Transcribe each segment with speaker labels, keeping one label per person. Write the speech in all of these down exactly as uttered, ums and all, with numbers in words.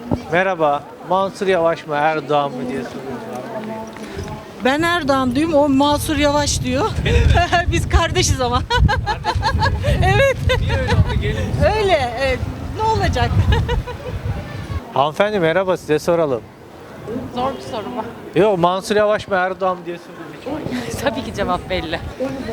Speaker 1: Merhaba. Mansur Yavaş mı Erdoğan mı diye soruyoruz.
Speaker 2: Ben Erdoğan diyorum, o Mansur Yavaş diyor. Biz kardeşiz ama. Evet.
Speaker 1: Niye öyle oldu? Gelin.
Speaker 2: Öyle. Evet. Ne olacak?
Speaker 1: Hanımefendi merhaba, size soralım.
Speaker 3: Zor bir soru bu.
Speaker 1: Yok, Mansur Yavaş mı Erdoğan mı diye soruyoruz.
Speaker 3: Tabii ki cevap belli.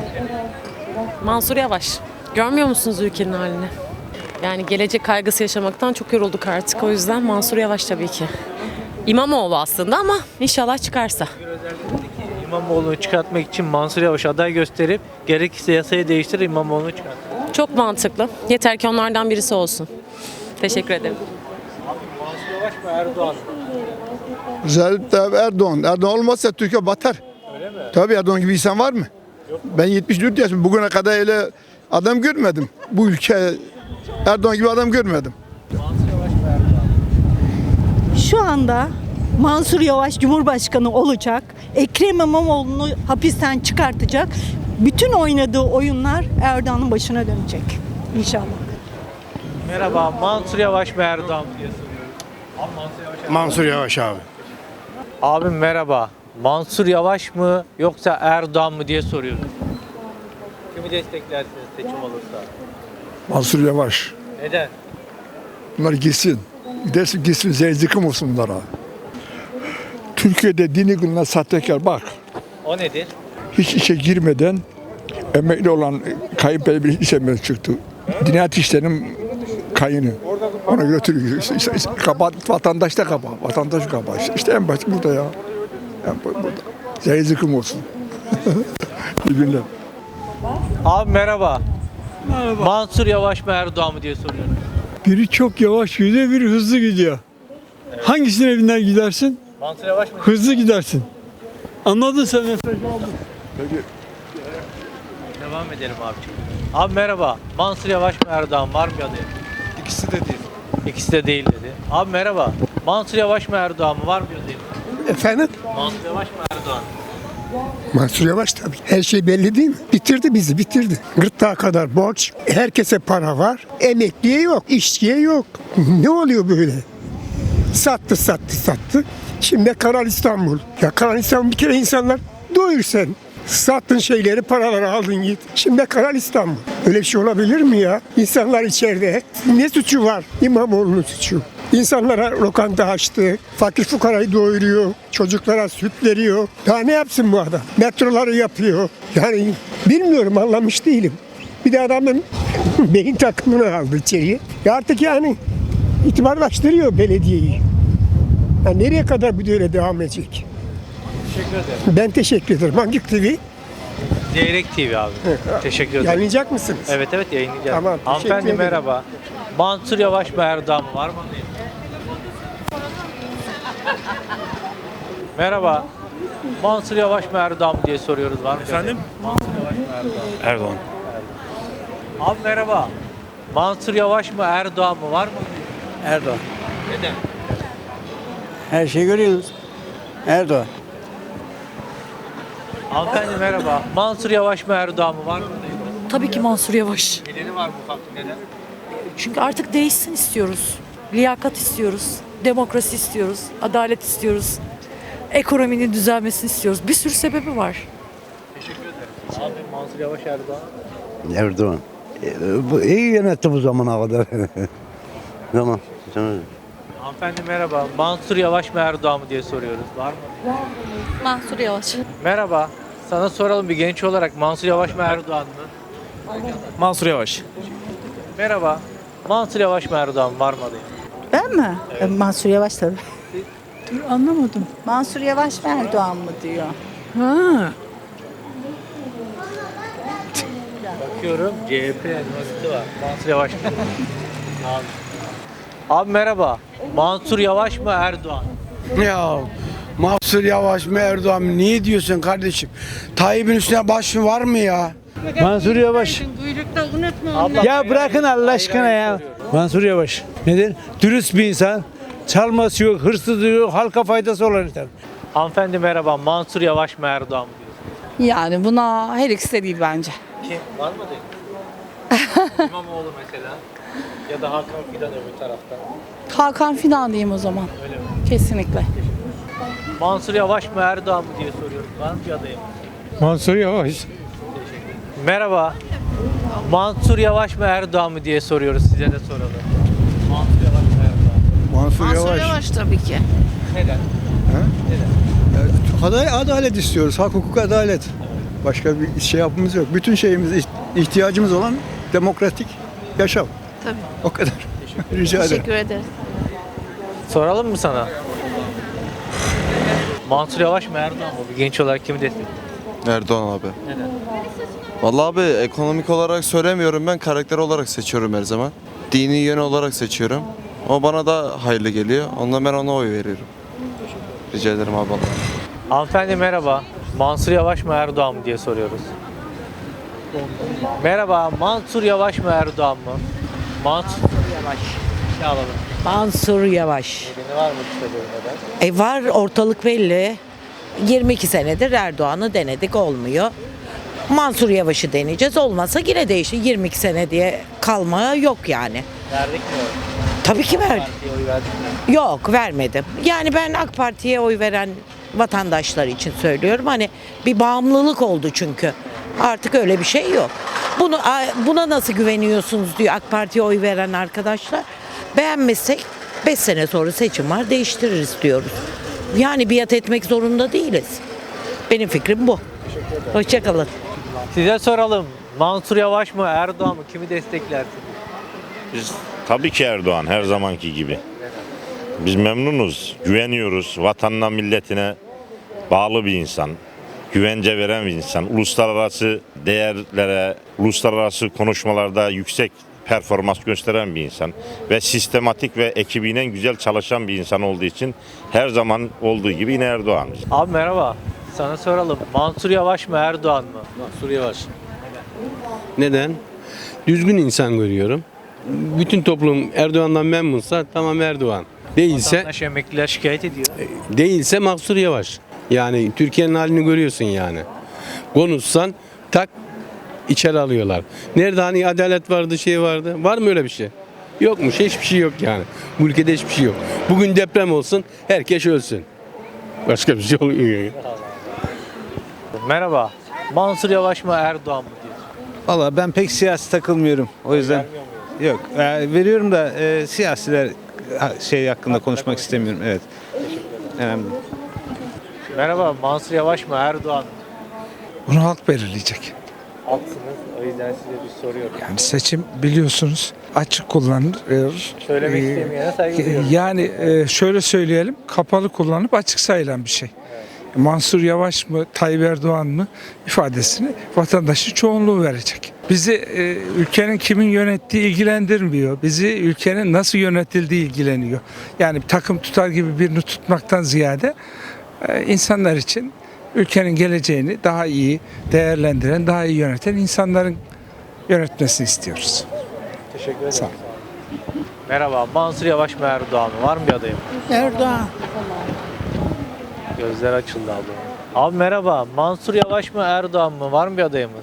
Speaker 3: Mansur Yavaş. Görmüyor musunuz ülkenin halini? Yani gelecek kaygısı yaşamaktan çok yorulduk artık. O yüzden Mansur Yavaş tabii ki. İmamoğlu aslında ama inşallah çıkarsa.
Speaker 1: İmamoğlu'nu çıkartmak için Mansur Yavaş aday gösterip gerekirse yasayı değiştirir, İmamoğlu'nu çıkartır.
Speaker 3: Çok mantıklı. Yeter ki onlardan birisi olsun. Teşekkür ederim.
Speaker 1: Mansur Yavaş mı Erdoğan mı?
Speaker 4: Recep Tayyip Erdoğan. Erdoğan olmazsa Türkiye batar.
Speaker 1: Öyle mi?
Speaker 4: Tabii Erdoğan gibi insan var mı? Yok. Ben yetmiş dört yaşım. Bugüne kadar öyle adam görmedim. Bu ülke Erdoğan gibi adam görmedim.
Speaker 1: Mansur Yavaş mı Erdoğan?
Speaker 2: Şu anda Mansur Yavaş Cumhurbaşkanı olacak. Ekrem İmamoğlu'nu hapisten çıkartacak. Bütün oynadığı oyunlar Erdoğan'ın başına dönecek. İnşallah.
Speaker 1: Merhaba. Mansur Yavaş mı Erdoğan mı diye soruyoruz. Abi Mansur Yavaş.
Speaker 5: Mansur Yavaş abi.
Speaker 1: Abim merhaba. Mansur Yavaş mı yoksa Erdoğan mı diye soruyoruz. Kimi desteklersiniz seçim olursa?
Speaker 4: Mansur Yavaş.
Speaker 1: Neden?
Speaker 4: Bunlar gitsin. Gidersin gitsin. Zeyzikim olsun bunlara. Türkiye'de dini günler sahtekar. Bak.
Speaker 1: O nedir?
Speaker 4: Hiç işe girmeden emekli olan kayınpeder bir iş emekli çıktı. Dinayet işlerinin kayını. Ona götürüyor. İşte, işte, işte, kabahat, vatandaş da kabahat. Vatandaş kabahat. İşte, işte en basit burada ya. En bu- burada. Zeyzikim olsun. İyi günler.
Speaker 1: Abi merhaba. Merhaba. Mansur Yavaş mı Erdoğan mı diye soruyorum.
Speaker 6: Biri çok yavaş gidiyor, biri hızlı gidiyor. Hangisine biner gidersin?
Speaker 1: Mansur Yavaş mı?
Speaker 6: Hızlı gidersin. Anladın sen mesajı.
Speaker 1: Devam edelim abiciğim. Abi merhaba. Mansur Yavaş mı Erdoğan var mı adayı?
Speaker 5: İkisi de değil.
Speaker 1: İkisi de değil dedi. Abi merhaba. Mansur Yavaş mı Erdoğan mı var mı adayı?
Speaker 7: Efendim?
Speaker 1: Mansur Yavaş mı Erdoğan mı?
Speaker 7: Mansur Yavaş tabii. Her şey belli değil mi? Bitirdi bizi, bitirdi. Gırtlağa kadar borç, herkese para var. Emekliye yok, işçiye yok. Ne oluyor böyle? Sattı, sattı, sattı. Şimdi Kanal İstanbul. Ya Kanal İstanbul bir kere insanlar doyur sen. Sattın şeyleri, paraları aldın git. Şimdi Kanal İstanbul. Öyle bir şey olabilir mi ya? İnsanlar içeride. Ne suçu var? İmamoğlu'nun suçu. İnsanlara lokanta açtı. Fakir fukarayı doyuruyor. Çocuklara süt veriyor. Daha ne yapsın bu adam? Metroları yapıyor. Yani bilmiyorum, anlamış değilim. Bir de adamın beyin takımını aldı içeriye. Ya artık yani itibarlaştırıyor belediyeyi. Ya nereye kadar bu böyle devam edecek?
Speaker 1: Teşekkür ederim.
Speaker 7: Ben teşekkür ederim. Hangi T V?
Speaker 1: Zeyrek T V abi. Teşekkür ederim.
Speaker 7: Yayınlayacak mısınız?
Speaker 1: Evet evet yayınlayacağız.
Speaker 7: Tamam, teşekkür
Speaker 1: Hanımefendi
Speaker 7: ederim.
Speaker 1: merhaba. Mansur Yavaş mı Erdoğan mı var mı adayı? Merhaba. Mansur Yavaş mı Erdoğan mı diye soruyoruz var mı? Efendim? Mansur Yavaş mı Erdoğan?
Speaker 5: Erdoğan.
Speaker 1: Abi merhaba. Mansur Yavaş mı Erdoğan mı var mı?
Speaker 8: Erdoğan.
Speaker 1: Neden?
Speaker 8: Her şeyi görüyorsunuz. Erdoğan.
Speaker 1: Hanımefendi merhaba. Mansur Yavaş mı Erdoğan mı var mı?
Speaker 9: Tabii ki Mansur Yavaş.
Speaker 1: Nedeni var mı ufak bir neden?
Speaker 9: Çünkü artık değişsin istiyoruz. Liyakat istiyoruz. Demokrasi istiyoruz. Adalet istiyoruz. Ekonominin düzelmesini istiyoruz. Bir sürü sebebi var.
Speaker 1: Teşekkür ederim. Abi Mansur Yavaş Erdoğan.
Speaker 8: Erdoğan. E, bu iyi yönetti bu zamana kadar. Tamam. Tamam.
Speaker 1: Hanımefendi merhaba. Mansur Yavaş mı Erdoğan mı diye soruyoruz. Var mı?
Speaker 9: Mansur Yavaş.
Speaker 1: Merhaba. Sana soralım bir genç olarak Mansur Yavaş mı Erdoğan mı?
Speaker 5: Mansur Yavaş.
Speaker 1: Merhaba. Mansur Yavaş mı Erdoğan mı? Var mı adayı?
Speaker 2: Ben mi? Mansur Yavaş tabii. Dur anlamadım.
Speaker 10: Mansur Yavaş mı Erdoğan mı diyor.
Speaker 2: Ha.
Speaker 1: Bakıyorum C H P elması var. Mansur Yavaş mı? Abi. Abi merhaba. Mansur Yavaş mı Erdoğan?
Speaker 8: Ya Mansur Yavaş mı Erdoğan mı? Niye diyorsun kardeşim? Tayyip'in üstüne baş mı var mı ya?
Speaker 6: Mansur Yavaş.
Speaker 1: Abla,
Speaker 6: Ya bırakın Allah aşkına ya. Mansur Yavaş. Neden? Dürüst bir insan. Çalması yok, hırsızlığı yok, halka faydası olan insan.
Speaker 1: Hanımefendi merhaba. Mansur Yavaş mı Erdoğan mı diyorsunuz?
Speaker 10: Yani buna her ikisi de değil bence.
Speaker 1: Kim? Var mı adayı? İmamoğlu mesela. Ya da Hakan Fidan öbür taraftan.
Speaker 10: Hakan Fidan diyeyim o zaman.
Speaker 1: Öyle mi?
Speaker 10: Kesinlikle.
Speaker 1: Mansur Yavaş mı Erdoğan mı diye soruyorum. Var mı bir adayım?
Speaker 6: Mansur Yavaş.
Speaker 1: Merhaba. Mansur Yavaş mı Erdoğan mı diye soruyoruz. Size de soralım. Mansur Yavaş mı Erdoğan?
Speaker 7: Mansur, Yavaş.
Speaker 10: tabii ki.
Speaker 1: Neden?
Speaker 4: Adalet, adalet istiyoruz. Hak, hukuk, adalet. Başka bir şey yapmamız yok. Bütün şeyimiz, ihtiyacımız olan demokratik yaşam.
Speaker 10: Tabii.
Speaker 4: O kadar. Rica ederim.
Speaker 10: Teşekkür ederim.
Speaker 1: Soralım mı sana? Mansur Yavaş mı Erdoğan mı? Bir genç olarak kimi destekliyor?
Speaker 5: Erdoğan abi.
Speaker 1: Neden?
Speaker 5: Vallahi abi ekonomik olarak söylemiyorum, ben karakter olarak seçiyorum her zaman. Dini yön olarak seçiyorum. O bana da hayırlı geliyor. Ondan ben ona oy veriyorum. Rica ederim abi.
Speaker 1: Hanımefendi merhaba. Mansur Yavaş mı Erdoğan mı diye soruyoruz. Merhaba. Mansur Yavaş mı Erdoğan mı? Mansur
Speaker 11: Yavaş.
Speaker 1: Ne alalım?
Speaker 11: Mansur Yavaş.
Speaker 1: Nedeni var mı kısaca bir neden?
Speaker 11: E var, ortalık belli. yirmi iki senedir Erdoğan'ı denedik, olmuyor. Mansur Yavaş'ı deneyeceğiz. Olmazsa yine değişir. yirmi iki sene diye kalma yok yani.
Speaker 1: Verdik mi oy?
Speaker 11: Tabii ki verdim.
Speaker 1: Partiye oy verdik mi?
Speaker 11: Yok, vermedim. Yani ben AK Parti'ye oy veren vatandaşlar için söylüyorum. Hani bir bağımlılık oldu çünkü. Artık öyle bir şey yok. Bunu buna nasıl güveniyorsunuz diyor AK Parti'ye oy veren arkadaşlar. Beğenmezsek beş sene sonra seçim var, değiştiririz diyoruz. Yani biat etmek zorunda değiliz. Benim fikrim bu. Hoşçakalın.
Speaker 1: Size soralım. Mansur Yavaş mı Erdoğan mı? Kimi desteklersiniz?
Speaker 12: Biz tabii ki Erdoğan, her zamanki gibi. Biz memnunuz, güveniyoruz. Vatanına, milletine bağlı bir insan. Güvence veren bir insan. Uluslararası değerlere, uluslararası konuşmalarda yüksek performans gösteren bir insan. Ve sistematik ve ekibiyle güzel çalışan bir insan olduğu için her zaman olduğu gibi yine Erdoğan.
Speaker 1: Abi merhaba. Sana soralım. Mansur Yavaş mı Erdoğan mı?
Speaker 6: Mansur Yavaş. Neden? Düzgün insan görüyorum. Bütün toplum Erdoğan'dan memnunsa tamam Erdoğan. Değilse
Speaker 1: Vatandaş, emekliler şikayet ediyor.
Speaker 6: değilse Mansur Yavaş. Yani Türkiye'nin halini görüyorsun yani. Konuşsan tak içeri alıyorlar. Nerede hani adalet vardı, şey vardı? Var mı öyle bir şey? Yokmuş. Hiçbir şey yok yani. Bu ülkede hiçbir şey yok. Bugün deprem olsun, herkes ölsün. Başka bir şey olmuyor.
Speaker 1: Merhaba. Mansur Yavaş mı Erdoğan mı diye.
Speaker 6: Valla ben pek siyasi takılmıyorum. O yüzden
Speaker 1: Vermiyor muyuz?
Speaker 6: yok. E, veriyorum da e, siyasiler ha, şey hakkında konuşmak istemiyorum. Evet. Önemli.
Speaker 1: Merhaba. Mansur Yavaş mı Erdoğan mı?
Speaker 13: Bunu halk belirleyecek.
Speaker 1: Haklısınız. O yüzden size bir soruyorum.
Speaker 13: Yani seçim biliyorsunuz açık kullanılır.
Speaker 1: Söylemek
Speaker 13: Ee,
Speaker 1: istemeyene saygı duyuyorum.
Speaker 13: Yani e, şöyle söyleyelim, kapalı kullanıp açık sayılan bir şey. Mansur Yavaş mı, Tayyip Erdoğan mı ifadesini vatandaşın çoğunluğu verecek. Bizi e, ülkenin kimin yönettiği ilgilendirmiyor. Bizi ülkenin nasıl yönetildiği ilgileniyor. Yani bir takım tutar gibi birini tutmaktan ziyade e, insanlar için ülkenin geleceğini daha iyi değerlendiren, daha iyi yöneten insanların yönetmesini istiyoruz.
Speaker 1: Teşekkür ederim.
Speaker 13: Sağ ol.
Speaker 1: Merhaba. Mansur Yavaş mı Erdoğan mı? Var mı bir adayım?
Speaker 10: Erdoğan.
Speaker 1: Gözler açıldı abla. Abi merhaba. Mansur Yavaş mı Erdoğan mı? Var mı bir adayımız?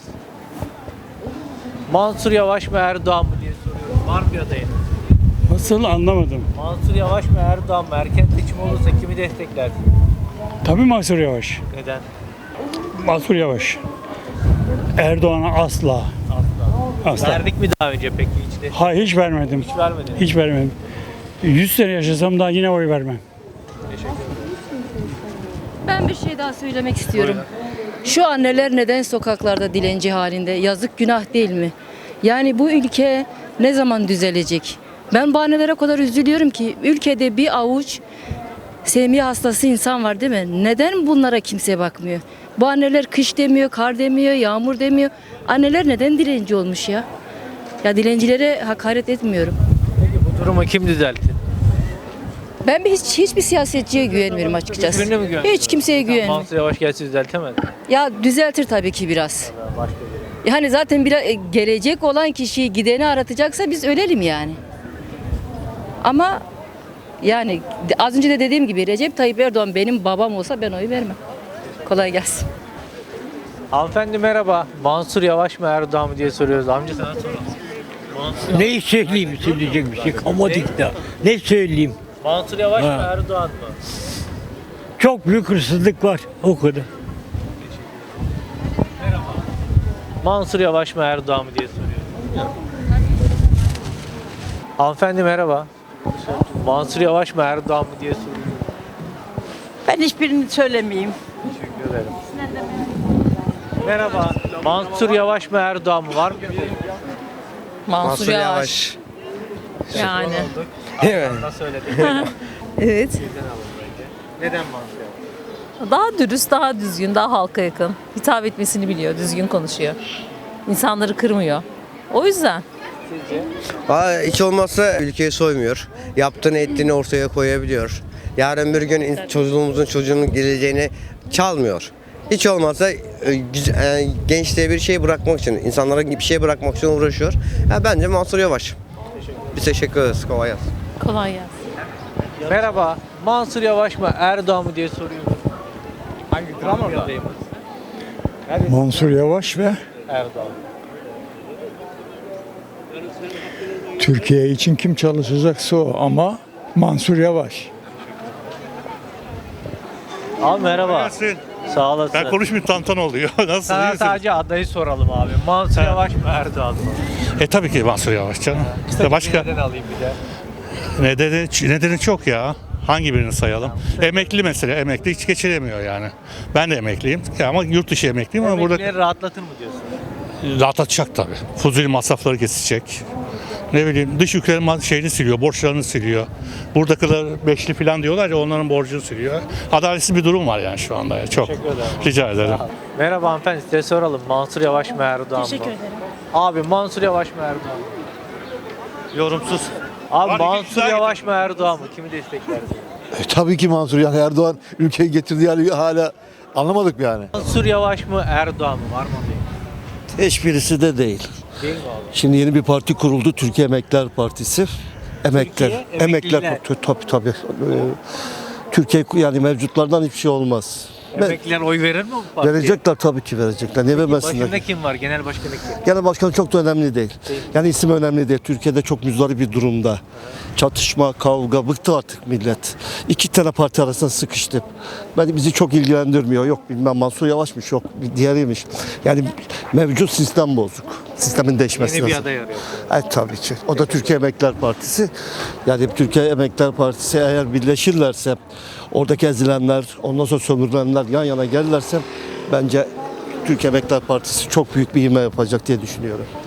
Speaker 1: Mansur Yavaş mı Erdoğan mı diye soruyorum. Var mı bir adayım?
Speaker 6: Nasıl anlamadım.
Speaker 1: Mansur Yavaş mı Erdoğan mı? Erken seçim olursa kimi desteklersin?
Speaker 6: Tabii Mansur Yavaş.
Speaker 1: Neden?
Speaker 6: Mansur Yavaş. Erdoğan'a asla.
Speaker 1: Asla.
Speaker 6: Asla.
Speaker 1: Verdik mi daha önce peki hiç de?
Speaker 6: Hayır hiç vermedim.
Speaker 1: Hiç vermedin.
Speaker 6: Hiç vermedim. yüz sene yaşasam daha yine oy vermem.
Speaker 9: Ben bir şey daha söylemek istiyorum. Şu anneler neden sokaklarda dilenci halinde? Yazık, günah değil mi? Yani bu ülke ne zaman düzelecek? Ben bu annelere o kadar üzülüyorum ki ülkede bir avuç sevmiye hastası insan var değil mi? Neden bunlara kimse bakmıyor? Bu anneler kış demiyor, kar demiyor, yağmur demiyor. Anneler neden dilenci olmuş ya? Ya dilencilere hakaret etmiyorum.
Speaker 1: Peki bu durumu kim düzeltti?
Speaker 9: Ben bir hiç hiçbir siyasetçiye güvenmiyorum açıkçası.
Speaker 1: Hiçbirine mi güvenmiyorsun?
Speaker 9: Hiç kimseye güvenmiyorum.
Speaker 1: Mansur Yavaş gelse düzeltemez.
Speaker 9: Ya düzeltir tabii ki biraz.
Speaker 1: Başka biri.
Speaker 9: Yani zaten bir gelecek olan kişiyi gideni aratacaksa biz ölelim yani. Ama yani az önce de dediğim gibi Recep Tayyip Erdoğan benim babam olsa ben oy vermem. Kolay gelsin.
Speaker 1: Hanımefendi merhaba. Mansur Yavaş mı Erdoğan mı diye soruyoruz. Amca sana soralım. Mansur,
Speaker 14: Ne söyleyeyim söyleyecek bir şey kalmadı da. Ne söyleyeyim?
Speaker 1: Mansur Yavaş mı
Speaker 14: Ha.
Speaker 1: Erdoğan mı?
Speaker 14: Çok büyük hırsızlık var o kadar.
Speaker 1: Mansur Yavaş mı Erdoğan mı diye soruyorum. Hanımefendi merhaba. Mansur Yavaş mı Erdoğan mı diye soruyorum.
Speaker 10: Ben hiçbirini söylemeyeyim.
Speaker 1: Teşekkür ederim. Merhaba. Mansur Yavaş mı Erdoğan mı var mı?
Speaker 3: Mansur, Yavaş. Yani.
Speaker 14: Evet.
Speaker 1: Nasıl söyledim?
Speaker 3: Evet.
Speaker 1: Neden Mansur Yavaş?
Speaker 3: Daha dürüst, daha düzgün, daha halka yakın. Hitap etmesini biliyor, düzgün konuşuyor. İnsanları kırmıyor. O yüzden.
Speaker 14: Hiç olmazsa ülkeyi soymuyor. Yaptığını ettiğini ortaya koyabiliyor. Yarın bir gün in- çocuğumuzun çocuğunun geleceğini çalmıyor. Hiç olmazsa e, güz- e, gençliğe bir şey bırakmak için, insanlara bir şey bırakmak için uğraşıyor. Ya bence Mansur Yavaş. Biz teşekkür ederiz. Kolay gelsin.
Speaker 3: Kolay gelsin.
Speaker 1: Merhaba. Mansur Yavaş mı Erdoğan mı diye soruyorum. Hangi drama orada?
Speaker 4: Mansur Yavaş ve
Speaker 1: Erdoğan.
Speaker 4: Türkiye için kim çalışacaksa o ama Mansur Yavaş.
Speaker 1: Abi merhaba. Sağ olasın.
Speaker 15: Ben konuşmayayım, tantan oluyor. Nasıl?
Speaker 1: Sana
Speaker 15: iyisin?
Speaker 1: sadece adayı soralım abi. Mansur Yavaş mı Erdoğan mı?
Speaker 15: E tabii ki Mansur Yavaş canım. İşte başka
Speaker 1: Neden alayım bir de?
Speaker 15: nedeni, nedeni çok ya. Hangi birini sayalım? Emekli mesela. Emekli hiç geçiremiyor yani. Ben de emekliyim Ya ama yurt dışı emekliyim ama burada
Speaker 1: Emeklileri rahatlatır mı diyorsun?
Speaker 15: rahatlatacak tabii. Fuzuli masrafları kesecek. Ne bileyim dış ülkelerin ma- şeyini siliyor, borçlarını siliyor. Buradakiler beşli falan diyorlar ya, onların borcunu siliyor. Adaletsiz bir durum var yani şu anda. ya. Çok.
Speaker 1: Teşekkür ederim.
Speaker 15: Rica ederim.
Speaker 1: Merhaba hanımefendi, size soralım. Mansur Yavaş mı Erdoğan mı?
Speaker 3: Teşekkür ederim.
Speaker 1: Abi Mansur Yavaş mı Erdoğan mı?
Speaker 15: Yorumsuz.
Speaker 1: Abi
Speaker 15: Var,
Speaker 1: Mansur
Speaker 15: güzel
Speaker 1: Yavaş mı Erdoğan mı? Kimi desteklersin?
Speaker 16: Tabii ki Mansur, yani Erdoğan ülkeyi getirdiği hali hala anlamadık yani.
Speaker 1: Mansur Yavaş mı Erdoğan mı? Var mı adayı?
Speaker 16: Hiçbirisi de değil.
Speaker 1: Değil mi abi?
Speaker 16: Şimdi yeni bir parti kuruldu, Türkiye Emekliler Partisi. Emekliler,
Speaker 1: Türkiye
Speaker 16: emekliler,
Speaker 1: Emekliler.
Speaker 16: tabii tabii. Ee, Türkiye yani mevcutlardan hiçbir şey olmaz. Ben-
Speaker 1: Emekliler oy verir mi bu partiye?
Speaker 16: Verecekler tabii ki verecekler. Niye vermesinler?
Speaker 1: Başında kim var? Genel başkanı kim?
Speaker 16: Genel başkan çok da önemli değil. Yani isim önemli değil. Türkiye'de çok müzdarip bir durumda. Çatışma, kavga, bıktı artık millet. İki tane parti arasında sıkıştı. Ben bizi çok ilgilendirmiyor. Yok bilmem Mansur Yavaş'mış, yok diğeriymiş. Yani mevcut sistem bozuk. Sistemin değişmesi
Speaker 1: Yeni bir
Speaker 16: lazım.
Speaker 1: aday arıyor.
Speaker 16: Evet tabii ki. O da Türkiye Emekliler Partisi. Yani Türkiye Emekliler Partisi eğer birleşirlerse, oradaki ezilenler, ondan sonra sömürülenler yan yana gelirlerse bence Türkiye Emekliler Partisi çok büyük bir ivme yapacak diye düşünüyorum.